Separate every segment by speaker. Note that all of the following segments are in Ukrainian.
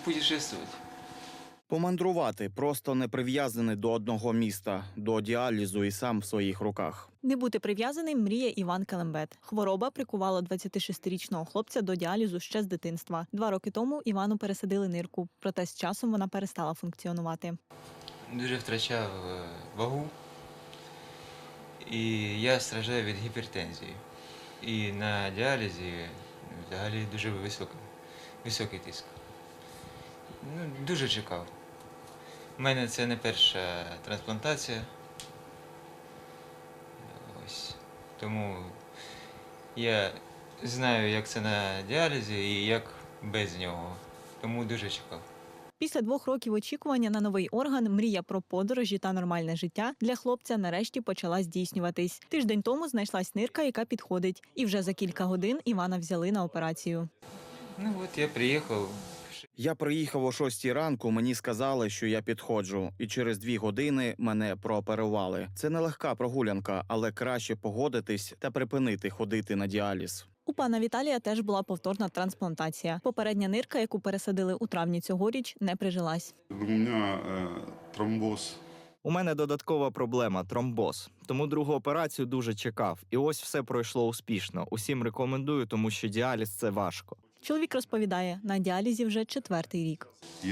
Speaker 1: путешествовать.
Speaker 2: Помандрувати, просто не прив'язаний до одного міста, до діалізу і сам в своїх руках.
Speaker 3: Не бути прив'язаним мріє Іван Келембет. Хвороба прикувала 26-річного хлопця до діалізу ще з дитинства. 2 роки тому Івану пересадили нирку, проте з часом вона перестала функціонувати.
Speaker 1: Дуже втрачав вагу, і я страждаю від гіпертензії. І на діалізі взагалі дуже високий тиск. Дуже чекав. У мене це не перша трансплантація. Ось. Тому я знаю, як це на діалізі і як без нього. Тому дуже чекав.
Speaker 3: Після 2 років очікування на новий орган мрія про подорожі та нормальне життя для хлопця нарешті почала здійснюватись. Тиждень тому знайшлась нирка, яка підходить. І вже за кілька годин Івана взяли на операцію.
Speaker 1: От я приїхав.
Speaker 2: Я приїхав о 6 ранку, мені сказали, що я підходжу, і через 2 години мене прооперували. Це нелегка прогулянка, але краще погодитись та припинити ходити на діаліз.
Speaker 3: У пана Віталія теж була повторна трансплантація. Попередня нирка, яку пересадили у травні цьогоріч, не прижилась.
Speaker 4: У мене тромбоз.
Speaker 5: У мене додаткова проблема – тромбоз. Тому другу операцію дуже чекав. І ось все пройшло успішно. Усім рекомендую, тому що діаліз – це важко.
Speaker 3: Чоловік розповідає, на діалізі вже 4-й рік.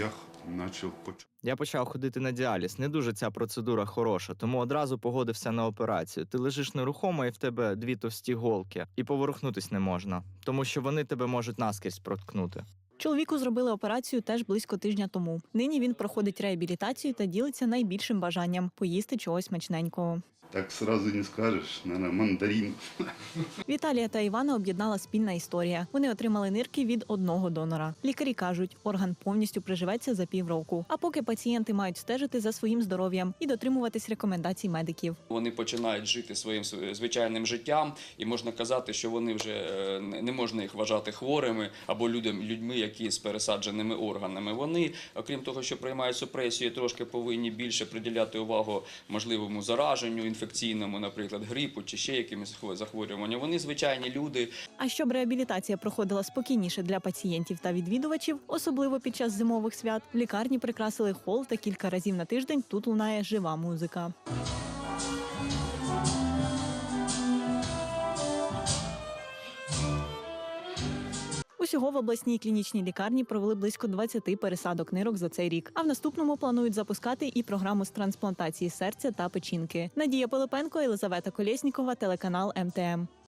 Speaker 5: Я почав ходити на діаліз. Не дуже ця процедура хороша, тому одразу погодився на операцію. Ти лежиш нерухомо і в тебе 2 товсті голки. І поворухнутись не можна, тому що вони тебе можуть наскрізь проткнути.
Speaker 3: Чоловіку зробили операцію теж близько тижня тому. Нині він проходить реабілітацію та ділиться найбільшим бажанням – поїсти чогось смачненького.
Speaker 4: Так сразу не скажеш, наверное, мандарин.
Speaker 3: Віталія та Івана об'єднала спільна історія. Вони отримали нирки від одного донора. Лікарі кажуть, орган повністю приживеться за півроку. А поки пацієнти мають стежити за своїм здоров'ям і дотримуватись рекомендацій медиків.
Speaker 6: Вони починають жити своїм звичайним життям, і можна казати, що вони вже не можна їх вважати хворими або людьми, які з пересадженими органами. Вони, окрім того, що приймають супресію, трошки повинні більше приділяти увагу можливому зараженню, інфекційному, наприклад, грипу чи ще якимось захворюванням. Вони звичайні люди.
Speaker 3: А щоб реабілітація проходила спокійніше для пацієнтів та відвідувачів, особливо під час зимових свят, в лікарні прикрасили хол та кілька разів на тиждень тут лунає жива музика. Усього в обласній клінічній лікарні провели близько 20 пересадок нирок за цей рік. А в наступному планують запускати і програму з трансплантації серця та печінки. Надія Пилипенко, Єлизавета Колєснікова, телеканал МТМ.